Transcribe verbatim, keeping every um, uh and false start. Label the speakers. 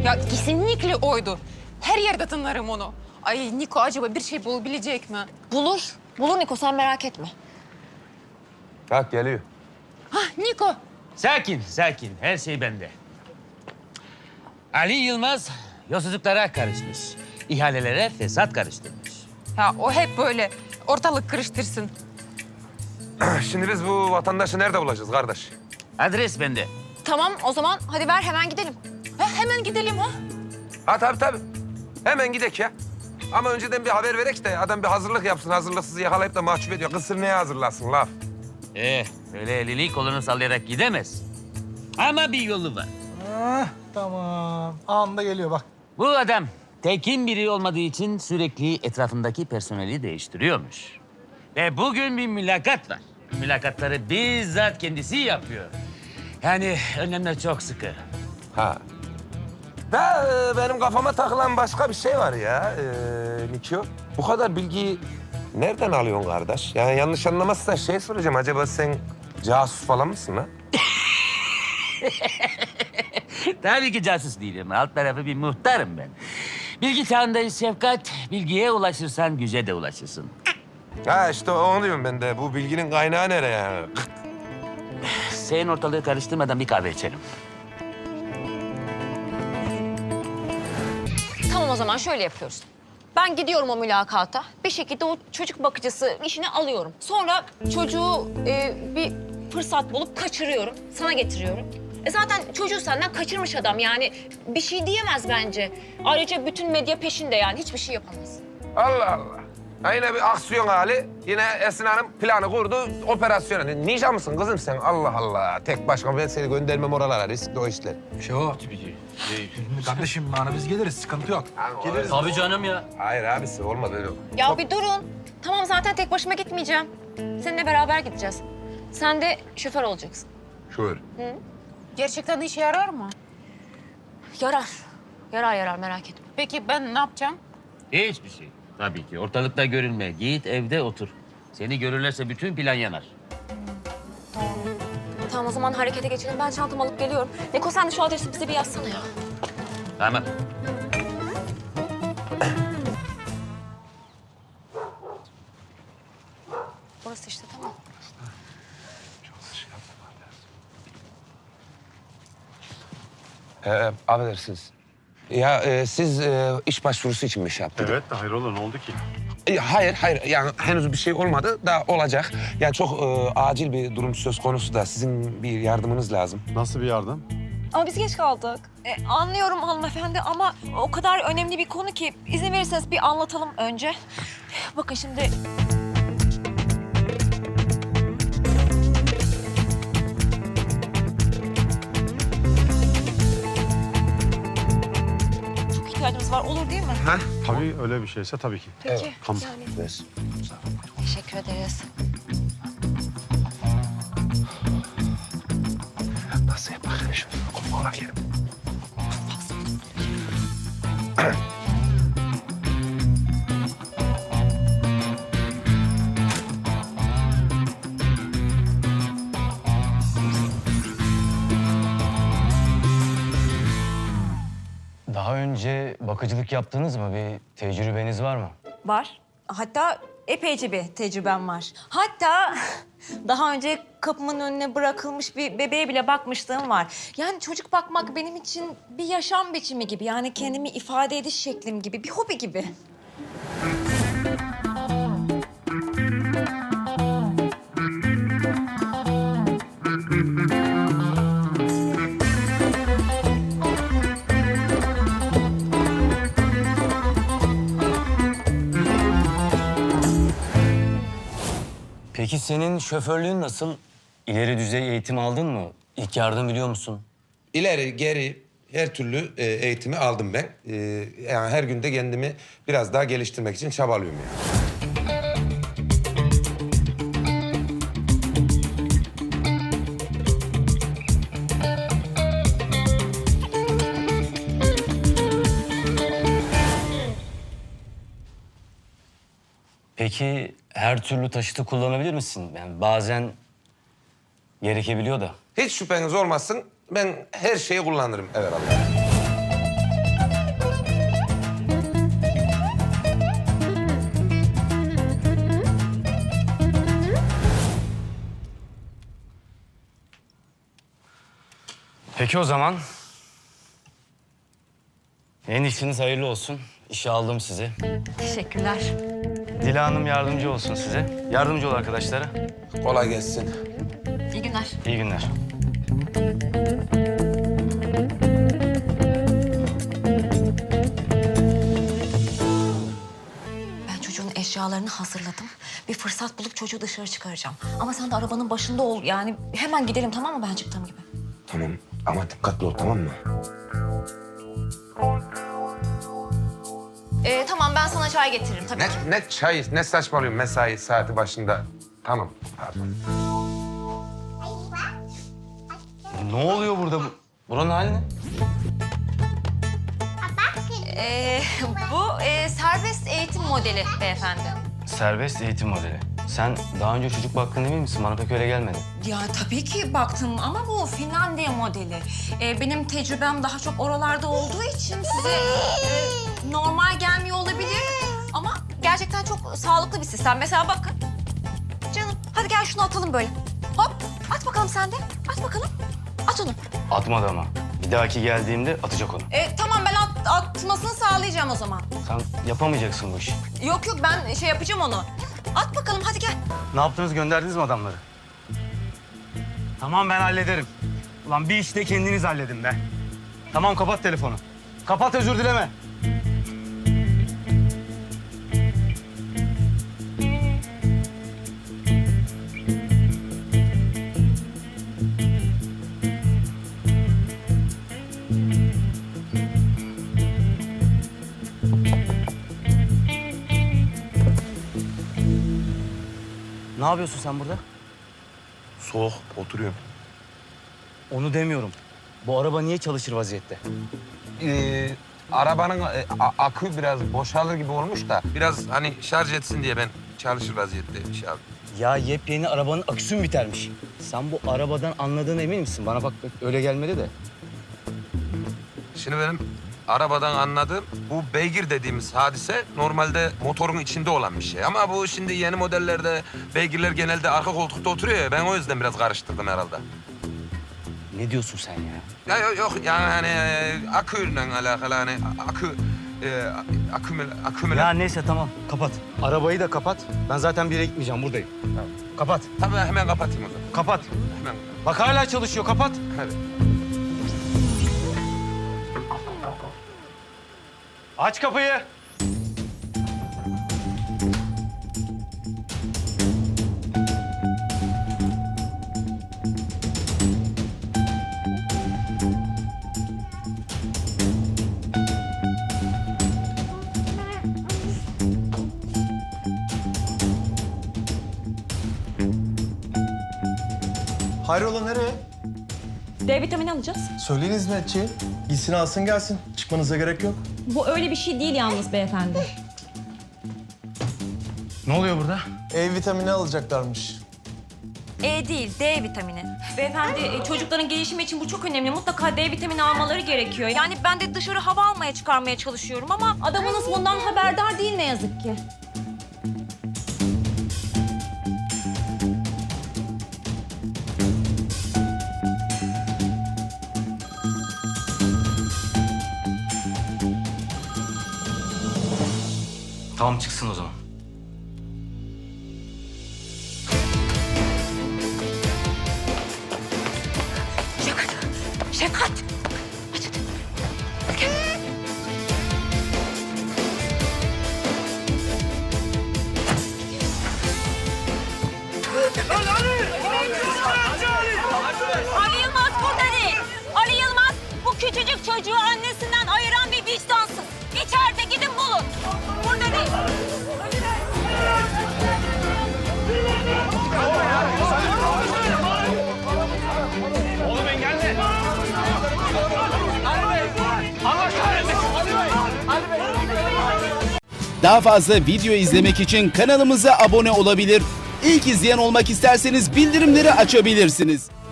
Speaker 1: Ya kesinlikle oydu. Her yerde tanırım onu. Ay Niko acaba bir şey bulabilecek mi?
Speaker 2: Bulur. Bulur Niko, sen merak etme.
Speaker 3: Bak geliyor.
Speaker 1: Hah Niko.
Speaker 4: Sakin, sakin. Her şey bende. Ali Yılmaz yolsuzluklara karışmış. İhalelere fesat karıştırmış.
Speaker 1: Ya o hep böyle ortalık karıştırsın.
Speaker 3: Şimdi biz bu vatandaşı nerede bulacağız kardeş?
Speaker 4: Adres bende.
Speaker 2: Tamam, o zaman hadi ver, hemen gidelim.
Speaker 1: Ha, hemen gidelim ha.
Speaker 3: Ha tabii tabii. Hemen gidek ya. Ama önceden bir haber verek de adam bir hazırlık yapsın. Hazırlıksız yakalayıp da mahcup ediyor. Kısır neye hazırlasın laf?
Speaker 4: Eh, öyle elini kolunu sallayarak gidemez. Ama bir yolu var.
Speaker 5: Ah, tamam. Anında geliyor bak.
Speaker 4: Bu adam tekin biri olmadığı için sürekli etrafındaki personeli değiştiriyormuş. Ve bugün bir mülakat var. Mülakatları bizzat kendisi yapıyor. Yani önlemler çok sıkı.
Speaker 3: Ha. Da e, benim kafama takılan başka bir şey var ya e, Nikio. Bu kadar bilgiyi nereden alıyorsun kardeş? Yani yanlış anlamazsan şey soracağım. Acaba sen casus falan mısın ha?
Speaker 4: Tabii ki casus değilim. Alt tarafı bir muhtarım ben. Bilgi çağındayız Şefkat. Bilgiye ulaşırsan güce de ulaşırsın.
Speaker 3: Ha işte onu diyorum ben de. Bu bilginin kaynağı nereye yani?
Speaker 4: Sen ortalığı karıştırmadan bir kahve içelim.
Speaker 2: Tamam, o zaman şöyle yapıyoruz. Ben gidiyorum o mülakata. Bir şekilde o çocuk bakıcısı işini alıyorum. Sonra çocuğu e, bir fırsat bulup kaçırıyorum. Sana getiriyorum. E zaten çocuğu senden kaçırmış adam, yani bir şey diyemez bence. Ayrıca bütün medya peşinde, yani hiçbir şey yapamaz.
Speaker 3: Allah Allah. Ha yine bir aksiyon hali. Yine Esin Hanım planı kurdu, operasyona. Ninja mısın kızım sen? Allah Allah. Tek başıma ben seni göndermem oralara. Riskli o işler.
Speaker 5: Şo. Kardeşim bana biz geliriz, sıkıntı yok.
Speaker 3: Geliriz.
Speaker 4: Tabii canım ya.
Speaker 3: Hayır abisi olmaz öyle.
Speaker 2: Ya bir durun. Tamam, zaten tek başıma gitmeyeceğim. Seninle beraber gideceğiz. Sen de şoför olacaksın.
Speaker 3: Şöyle.
Speaker 1: Gerçekten işe yarar mı?
Speaker 2: Yarar. Yarar yarar, merak etme.
Speaker 1: Peki ben ne yapacağım?
Speaker 4: Hiçbir şey. Tabii ki. Ortalıkta görünme. Git evde otur. Seni görürlerse bütün plan yanar.
Speaker 2: Tamam, o zaman harekete geçelim. Ben çantamı alıp geliyorum. Niko, sen de şu adresi bize bir yazsana ya.
Speaker 4: Tamam.
Speaker 2: Burası işte, tamam.
Speaker 3: Ee, affedersiniz. Ya e, siz e, iş başvurusu için mi şey yaptınız?
Speaker 6: Evet de hayrola ne oldu ki?
Speaker 3: E, hayır, hayır. Yani henüz bir şey olmadı da olacak. Yani çok e, acil bir durum söz konusu da sizin bir yardımınız lazım.
Speaker 6: Nasıl bir yardım?
Speaker 2: Ama biz geç kaldık. E, anlıyorum hanımefendi ama o kadar önemli bir konu ki izin verirseniz bir anlatalım önce. Bakın şimdi... Çok ihtiyacımız var, olur değil mi?
Speaker 3: Ha?
Speaker 6: Tabii öyle bir şeyse tabii ki.
Speaker 2: Peki.
Speaker 6: Tamam.
Speaker 2: Yani
Speaker 3: Ver.
Speaker 2: teşekkür ederiz.
Speaker 3: Nasıl yapalım şunu? Kovala gelin.
Speaker 7: Daha önce bakıcılık yaptınız mı? Bir tecrübeniz var mı?
Speaker 8: Var. Hatta epeyce bir tecrübem var. Hatta daha önce kapımın önüne bırakılmış bir bebeğe bile bakmışlığım var. Yani çocuk bakmak benim için bir yaşam biçimi gibi. Yani kendimi ifade ediş şeklim gibi, bir hobi gibi.
Speaker 7: Peki senin şoförlüğün nasıl? İleri düzey eğitim aldın mı? İlk yardım biliyor musun?
Speaker 3: İleri, geri her türlü e, eğitimi aldım ben. E, yani her günde kendimi biraz daha geliştirmek için çabalıyorum yani.
Speaker 7: Peki her türlü taşıtı kullanabilir misin? Yani bazen gerekebiliyor da.
Speaker 3: Hiç şüpheniz olmasın. Ben her şeyi kullanırım. Evet Allah.
Speaker 7: Peki o zaman. Yeni işiniz hayırlı olsun. İşe aldım sizi.
Speaker 8: Teşekkürler.
Speaker 7: Dila Hanım yardımcı olsun size. Yardımcı ol arkadaşlara.
Speaker 3: Kolay gelsin.
Speaker 8: İyi günler.
Speaker 7: İyi günler.
Speaker 8: Ben çocuğun eşyalarını hazırladım. Bir fırsat bulup çocuğu dışarı çıkaracağım. Ama sen de arabanın başında ol. Yani hemen gidelim, tamam mı, ben çıktığım gibi?
Speaker 3: Tamam ama dikkatli ol, tamam mı?
Speaker 8: Ee, tamam, ben sana çay getiririm tabii
Speaker 3: Ne,
Speaker 8: ki.
Speaker 3: ne çay, ne saçmalıyorsun mesai saati başında. Tamam, pardon.
Speaker 7: Ne oluyor burada? Bu- Buranın hali ne?
Speaker 8: Ee, bu e, serbest eğitim modeli beyefendi.
Speaker 7: Serbest eğitim modeli. Sen daha önce çocuk baktın emin misin? Bana pek öyle gelmedi.
Speaker 8: Ya tabii ki baktım ama bu Finlandiya modeli. Ee, benim tecrübem daha çok oralarda olduğu için size e, normal gelmiyor olabilir. Ama gerçekten çok sağlıklı bir sistem. Mesela bakın. Canım hadi gel şunu atalım böyle. Hop at bakalım sen de. At bakalım. At onu.
Speaker 7: Atmadı ama. Bir dahaki geldiğimde atacak onu.
Speaker 8: Ee, tamam ben at, atmasını sağlayacağım o zaman.
Speaker 7: Sen yapamayacaksın bu işi.
Speaker 8: Yok yok ben şey yapacağım onu. At bakalım hadi gel.
Speaker 7: Ne yaptınız? Gönderdiniz mi adamları? Tamam ben hallederim. Ulan bir işte kendiniz halledin be. Tamam kapat telefonu. Kapat, özür dileme. Ne yapıyorsun sen burada?
Speaker 3: Soğuk, oturuyorum.
Speaker 7: Onu demiyorum. Bu araba niye çalışır vaziyette?
Speaker 3: Ee, arabanın e, a- akü biraz boşalır gibi olmuş da biraz hani şarj etsin diye ben çalışır vaziyetteyim şey abi.
Speaker 7: Ya yepyeni arabanın aküsü mü bitermiş? Sen bu arabadan anladığına emin misin? Bana bak öyle gelmedi de.
Speaker 3: Şimdi benim arabadan anladığım bu beygir dediğimiz hadise normalde motorun içinde olan bir şey. Ama bu şimdi yeni modellerde beygirler genelde arka koltukta oturuyor ya. Ben o yüzden biraz karıştırdım herhalde.
Speaker 7: Ne diyorsun sen ya?
Speaker 3: Ya yok, yok yani hani e, aküyle alakalı hani akü e, akümül akümül.
Speaker 7: Ya neyse tamam kapat. Arabayı da kapat. Ben zaten bir yere gitmeyeceğim, buradayım.
Speaker 3: Tamam.
Speaker 7: Kapat.
Speaker 3: Tabii hemen kapatayım o zaman.
Speaker 7: Kapat.
Speaker 3: Hemen.
Speaker 7: Bak hala çalışıyor, kapat.
Speaker 3: Hadi.
Speaker 7: Aç kapıyı.
Speaker 9: Hayrola nereye?
Speaker 10: D vitamini alacağız.
Speaker 9: Söyleyin hizmetçi. Gitsin alsın gelsin. Çıkmanıza gerek yok.
Speaker 10: Bu öyle bir şey değil yalnız beyefendi.
Speaker 7: Ne oluyor burada?
Speaker 9: E vitamini alacaklarmış.
Speaker 8: E değil, D vitamini. Beyefendi, e, çocukların gelişimi için bu çok önemli. Mutlaka D vitamini almaları gerekiyor. Yani ben de dışarı hava almaya çıkarmaya çalışıyorum ama...
Speaker 10: Adamınız bundan haberdar değil ne yazık ki.
Speaker 7: Tamam çıksın o zaman.
Speaker 8: Şefkat, Şefkat. Aç hadi. Gel. Ali Yılmaz burada değil. Ali Yılmaz bu küçücük çocuğu annesinden ayıran bir vicdansız. İçeride, gidin bulun. Burada değil.
Speaker 7: Oğlum engelle. Allah kahretsin.
Speaker 11: Daha fazla video izlemek için kanalımıza abone olabilir. İlk izleyen olmak isterseniz bildirimleri açabilirsiniz.